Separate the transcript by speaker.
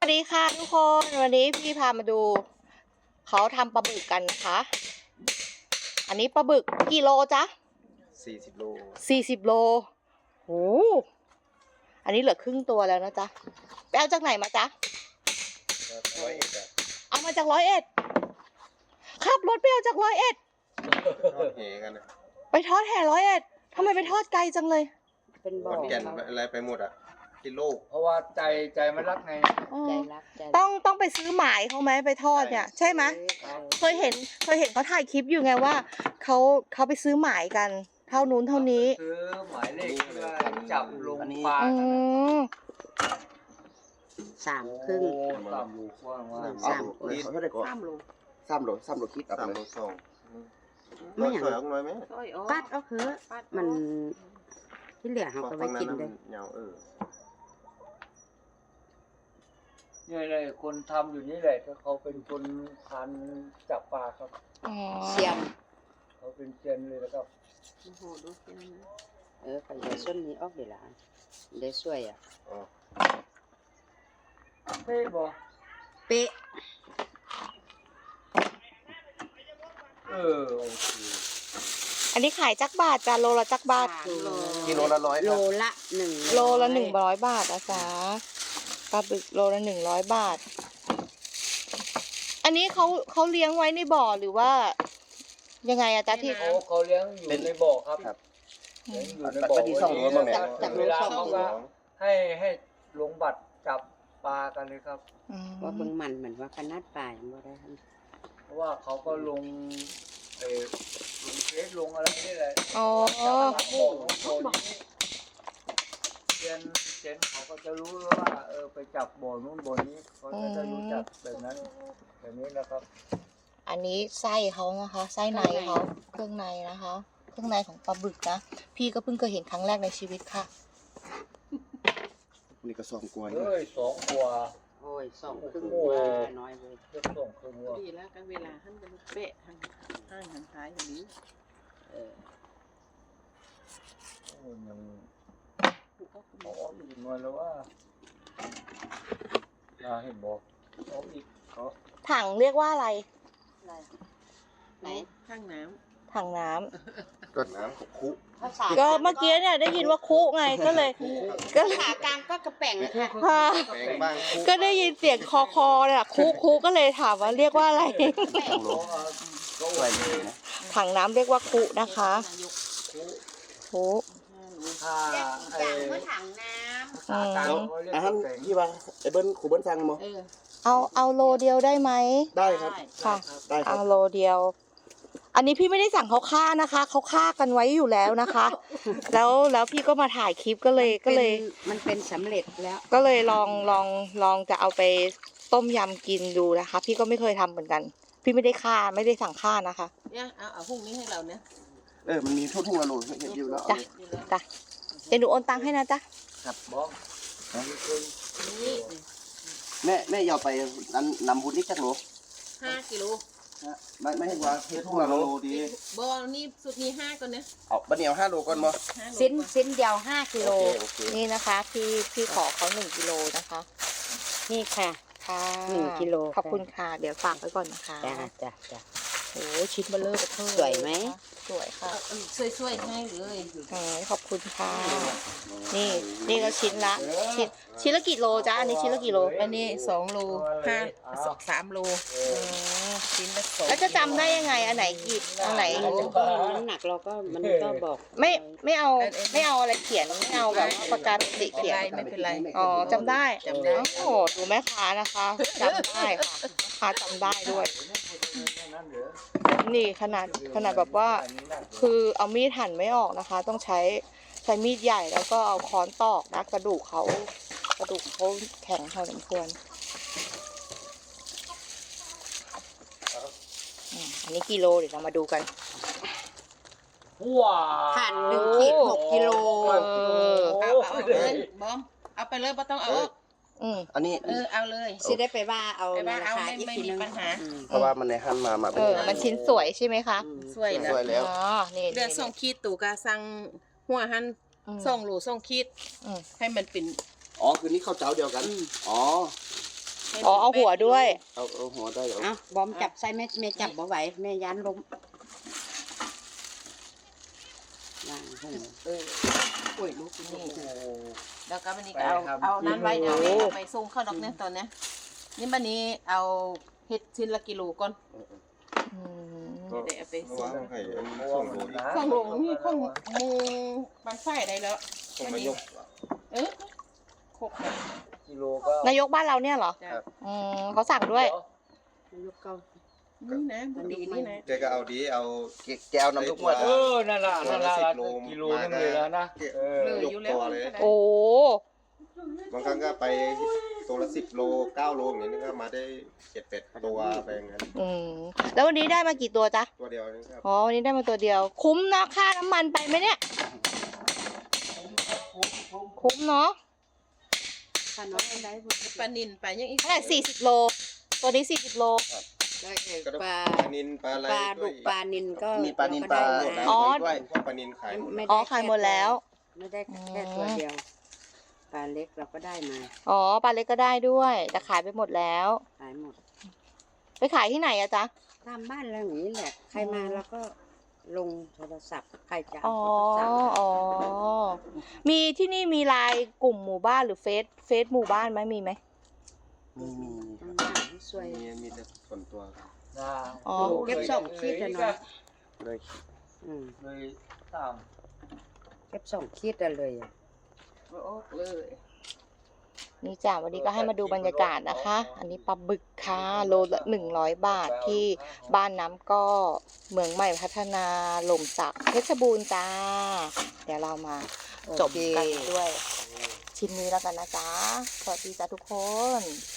Speaker 1: ดีค่ะทุกคนวันนี้พี่พามาดูเขาทำปลาบึกกันนะคะอันนี้ปลาบึกกี่โลจ๊ะ
Speaker 2: 40 โล
Speaker 1: 40 โลโอ้อันนี้เหลือครึ่งตัวแล้วนะจ๊ะไปเอาจากไหนมาจ๊ะเอามาจาก101ขับรถไปเอาจาก101
Speaker 2: ทอดแหกันนะ
Speaker 1: ไปทอดแห่101ทำไมไปทอดไกลจังเลย
Speaker 3: เป็นบ่
Speaker 2: ข
Speaker 3: อ
Speaker 2: อนแก่นอะไรไปหมดอ่ะที่โลก
Speaker 4: เพราะว่าใจมันรักไง
Speaker 3: ใจรักใจ
Speaker 1: ต้องไปซื้อหมายเขาไหมไปทอดเนี่ยใช่ไหมเคยเห็นเขาถ่ายคลิปอยู่ไงว่าเขาไปซื้อหมายกันเท่านู้นเท่านี้
Speaker 4: ซื้อหมายเลขเพื่อจับลงปลา
Speaker 1: อืม
Speaker 3: 3 ครึ่ง
Speaker 4: 3 ลูกกว้างว่า
Speaker 3: สาม
Speaker 2: เขาได้ก่อน
Speaker 3: 3 โล
Speaker 2: 3 โลคิด3 โล2
Speaker 3: ไม่อย่าง
Speaker 2: สวยน้อยไหม
Speaker 3: ปัดเอาคือมันที่เหลือเขาก็ไว้กินเลย
Speaker 2: เหงา
Speaker 4: เนี่ยเลยคนทำอยู่นี่แหละก็เขาเป็นคนพันจับปลาครับ
Speaker 1: อ๋อ
Speaker 3: เสียม
Speaker 4: เขาเป็นเซียนเลยแล้วก็
Speaker 3: ไปเดี๋ยวส้นนี้ออกเดี๋ยวละได้ช่วยอ่ะ
Speaker 4: เฮ้ยบอ
Speaker 3: เป๊ะ
Speaker 4: โอเค
Speaker 1: อันนี้ขายจักบาทจ้ะโลละจักบาท
Speaker 2: กิโลละ100
Speaker 3: โล
Speaker 2: ครับ
Speaker 3: ละ1
Speaker 1: โลละ100 บาทนะจ๊ะปลาบึกโลละ100 บาท อันนี้เขาเลี้ยงไว้ในบ่อหรือว่ายังไงอะจ๊ะที่
Speaker 4: เขาเลี้ยงอยู่ในบ่อครับ
Speaker 2: ครับ
Speaker 4: เลี้ยงอยู่ในบ่อ
Speaker 2: บัดนี้2 โลบ้างเนี่ย
Speaker 4: จากเวลาเขาก็ให้ลงบัตรจับปลากันเลยครับ
Speaker 3: ว่าเบิ่งมันเหมือนว่าขนาดปลายบ่ได้
Speaker 4: เพราะว่าเขาก็ลงลงเฟซลงอะไรนี่แหละ
Speaker 1: อ๋อ
Speaker 4: เจนเขาก็จะรู้ว่าไปจับบ่อนู้นบ่อนี้เขาก็จะรู้จักแบบนั้นแบบนี้นะครับ
Speaker 1: อันนี้ไส้เขานะคะไส้ในเขาเครื่องในนะคะ เครื่องในของปลาบึกนะพี่ก็เพิ่งเคยเห็นครั้งแรกในชีวิตค่ะ
Speaker 2: นี่ก็2 กว่า
Speaker 4: 2 กว่า
Speaker 3: โอ้ย2 ครึ่งว่าน้อยเลย
Speaker 4: เรียก2 ครึ่งว่า
Speaker 5: ดีแล้วกันเวลาท่านจะเป๊ะทางห้างทางท้ายอย่างนี้
Speaker 4: ยังเอาออกอีกหน่อยแล้วว่าเห็นบอกเอาอีกเขา
Speaker 1: ถังเรียกว่าอะไร
Speaker 3: ไหน
Speaker 5: ข้างน้
Speaker 1: ถังน้ำ
Speaker 2: ก็น้ำกับคุ
Speaker 3: ภาษา
Speaker 1: ก็เมื่อกี้เนี่ยได้ยินว่าคุไงก็เลย
Speaker 3: ภาษากลางก็กระแป่งนะคะ
Speaker 1: ค่ะ
Speaker 2: แปลงบ้างคุ
Speaker 1: ก็ได้ยินเสียงคอเนี่ยคุก็เลยถามว่าเรียกว่าอะไร
Speaker 4: ก็
Speaker 2: สวยเลยนะ
Speaker 1: ถังน้ำเรียกว่าคุนะคะ
Speaker 5: ำนายก
Speaker 1: คุ
Speaker 4: ถ้า
Speaker 3: จางก็ถังน้
Speaker 1: อืม
Speaker 2: อาหารที่ว่าไอ้เบิ้ลครูเบิ้ลสั่งมั้ง
Speaker 1: เอาโลเดียวได้ไหม
Speaker 2: ได้ครับ
Speaker 1: ค่ะ
Speaker 2: ได้ครั
Speaker 1: เอา
Speaker 2: บ
Speaker 1: โลเดียว อันนี้พี่ไม่ได้สั่งเขาฆ่านะคะเขาฆ่ากันไว้อยู่แล้วนะคะ แล้วพี่ก็มาถ่ายคลิปก็เลย
Speaker 3: ำมันเป็นสำเร็จแล้ว
Speaker 1: ก็เลยลองจะเอาไปต้มยำกินดูนะคะ พี่ก็ไม่เคยทำเหมือนกัน พี่ไม่ได้ฆ่าไม่ได้สั่งฆ่านะคะ
Speaker 5: เนี่ยเอาพรุ่งนี้ให้เราเนี่ย
Speaker 2: มันมีทุ่งละโลเห็นอยู่แล้ว
Speaker 1: จ้ะ จ้ะเดี๋ยวหนูโอนตังค์ให้นะจ๊ะ
Speaker 2: ครับ
Speaker 4: บอก
Speaker 5: นี่
Speaker 2: แม่ยาวไปนั้นนำบุญนี่จักโล
Speaker 5: 5 กิโล
Speaker 2: ไม่ให้ว่าทุ่งละโลดี
Speaker 5: บ่อนี่สุดนี้5ก่อนเนี่ย
Speaker 2: เอาบัดเดียว5 โลก่อนบ่
Speaker 5: 5
Speaker 3: สิ้นเดียว5 กิโล
Speaker 2: โอเค
Speaker 1: นี่นะคะพี่ขอเขา1 กิโลนะคะ
Speaker 3: นี่ค่ะ
Speaker 1: ค่ะ
Speaker 3: 1 กิโล
Speaker 1: ขอบคุณค่ะ เดี๋ยวฝากไว้ก่อนนะคะ
Speaker 3: จ้ะ
Speaker 1: โอ้ชิ้นเบลเลอร์เบอร์
Speaker 3: สวยไหม
Speaker 1: สวยค่ะ
Speaker 5: ช่วยๆให้เลย
Speaker 1: ขอบคุณค่ะ นี่ก็ชิ้นละละกี่โลจ๊ะอันนี้ชิ้นละกี่โล
Speaker 5: อันนี้2 โล5 3 โลชิ้นละ2
Speaker 1: แล้วจะจำได้ยังไงอันไหนกี่อันไหน
Speaker 3: น้ำหนักเราก็มันก็บอก
Speaker 1: ไม่เอาอะไรเขียนไม่เอาแบบปากกาติเขียน
Speaker 5: ไม่เป็นไร
Speaker 1: อ๋อจำได้
Speaker 5: จำได้
Speaker 1: โอ้โหดูแม่ค้านะคะจำได้ค่ะแม่ค้าจำได้ด้วย นี่ขนาดแบบว่า คือเอามีดหั่นไม่ออกนะคะ ต้องใช้มีดใหญ่แล้วก็เอาค้อนตอกนะกระดูกเขาแข็งพอสมควรอันนี้กิโลเดี๋ยวเรามาดูกัน
Speaker 4: ว้า
Speaker 3: ผ่าน1 ขีด 6 กิโล
Speaker 5: เอาเลยบอมเอาไปเลยไม่ต้องเอาออก
Speaker 2: อันนี้
Speaker 5: เอาเลย
Speaker 3: สิได้ไปว่าเอา
Speaker 5: ไปว่า
Speaker 3: รา
Speaker 5: เอา
Speaker 3: คา
Speaker 5: ไม่
Speaker 3: อีก
Speaker 5: ไม่
Speaker 3: ที
Speaker 5: มี
Speaker 3: นึง
Speaker 5: ปัญหา
Speaker 2: เพราะว่ามันในหั่นมา
Speaker 1: มันชิ้นสวยใช่ไหมคะ
Speaker 5: สวย
Speaker 2: สวยแล้ว
Speaker 1: อ๋อนี่
Speaker 5: เดือด2 ขีดตู่กาสั่งหัวหัน2 โล2 ขีดให้มันเป็น
Speaker 2: อ๋อคือนี่ข้าวเจ้าเดียวกันอ๋อ
Speaker 1: อ๋อเอาหัวด้วย
Speaker 2: เอาหัวได้เหรอ
Speaker 3: เอาบอมจับใส่แม่จับบ่ไหวแม่ยันล้มวางหู
Speaker 5: เออ
Speaker 3: โอ้ยลูกนี่
Speaker 5: นี่แล้วก็วันนี้ก็เอานั้นไว้เดี๋ยวแม่เอาไปส่งเข้าดอกเนี่ยตอนเนี้ยนี่วันนี้เอาเฮ็ดชิ้นละกิโลก่อน
Speaker 1: อืม
Speaker 5: เดี๋ยวเอาไปส่ง
Speaker 6: วางให้อันส่งโหลดิ
Speaker 5: ข้างลงนี่ข้างมูบันไฟได้แล้ว
Speaker 6: ส่งมายก
Speaker 5: เออครบแล้ว
Speaker 4: กิโลก็
Speaker 1: นายกบ้านเราเนี่ยเหรอ
Speaker 5: จ้ะ
Speaker 1: อืมเขาสั่งด้วย
Speaker 3: ลูกเก่า
Speaker 5: นี่นะบุดีนี่นะ
Speaker 6: แกก็เอาดีเอา
Speaker 2: แกเอาน้ำลูกหมด
Speaker 4: เออนั่นล่ะกิโลนึงเลยแล้วนะเออ
Speaker 5: เลยอยู่แล้ว
Speaker 1: โอ้
Speaker 6: บางครั้งก็ไปตัวละ10 โล 9 โลอย่างนี้ก็มาได้7-8 ตัวไปอย่างนั้น
Speaker 1: อืมแล้ววันนี้ได้มากี่ตัวจ๊ะ
Speaker 6: ตัวเดียวนี่ครับ
Speaker 1: อ๋อวันนี้ได้มาตัวเดียว คุ้มนะค่าน้ำมันไปไหมเนี่ย คุ้มเนาะ
Speaker 3: ถ้าน้องเอาได้บุญ
Speaker 5: ปลานินปลายังอีก
Speaker 1: เท่าไหร่40 โล ตัวนี้40 โล
Speaker 3: ได้
Speaker 6: ก็
Speaker 3: ปลา
Speaker 6: ปลานินปลาอะไร
Speaker 3: ปลาดุกปลานินก็
Speaker 2: มีปลานินปลา
Speaker 3: ก็ได้
Speaker 1: อ๋อ
Speaker 2: ด้วย
Speaker 6: พวกปลานินขายหมด
Speaker 3: ไม่
Speaker 1: อ๋อ
Speaker 3: ได้
Speaker 1: ขายหมดแล้ว
Speaker 3: ไม่ได้แค่ตัวเดียวปลาเล็กเราก็ได้มา
Speaker 1: อ๋อปลาเล็กก็ได้ด้วย แต่ขายไปหมดแล้ว
Speaker 3: ขายหมด
Speaker 1: ไปขายที่ไหนอะจ๊ะ
Speaker 3: ตามบ้านเราอย่างนี้แหละ ใครมาเราก็ลงโทรศัพท์ใครจะ
Speaker 1: อ๋
Speaker 3: เอา
Speaker 1: อ
Speaker 3: ก็สั่ง
Speaker 1: อ๋อ มีที่นี่มีไลน์กลุ่มหมู่บ้านหรือเฟซหมู่บ้านไหมมีไหม
Speaker 2: มี
Speaker 3: ต้องหาที่ช่วย
Speaker 6: มีแต่ส่วนตัวครับ
Speaker 1: อ๋อ
Speaker 3: เก็บสองขีดอะเนาะ
Speaker 2: เลย
Speaker 3: อืม
Speaker 4: เลยตาม
Speaker 3: เก็บ2 ขีดอะเลยอะ
Speaker 5: โอ้เลย
Speaker 1: นี่จ้ะวันนี้ก็ให้มาดูบรรยากาศนะคะ อันนี้ปลาบึกค่ะโลละ100 บาทที่บ้านน้ำก็เมืองใหม่พัฒนาหล่มสักเพชรบูรณ์จ้า เดี๋ยวเรามาจบกันด้วยชิ้นนี้แล้วกันนะจ๊ะ สวัสดีจ้าทุกคน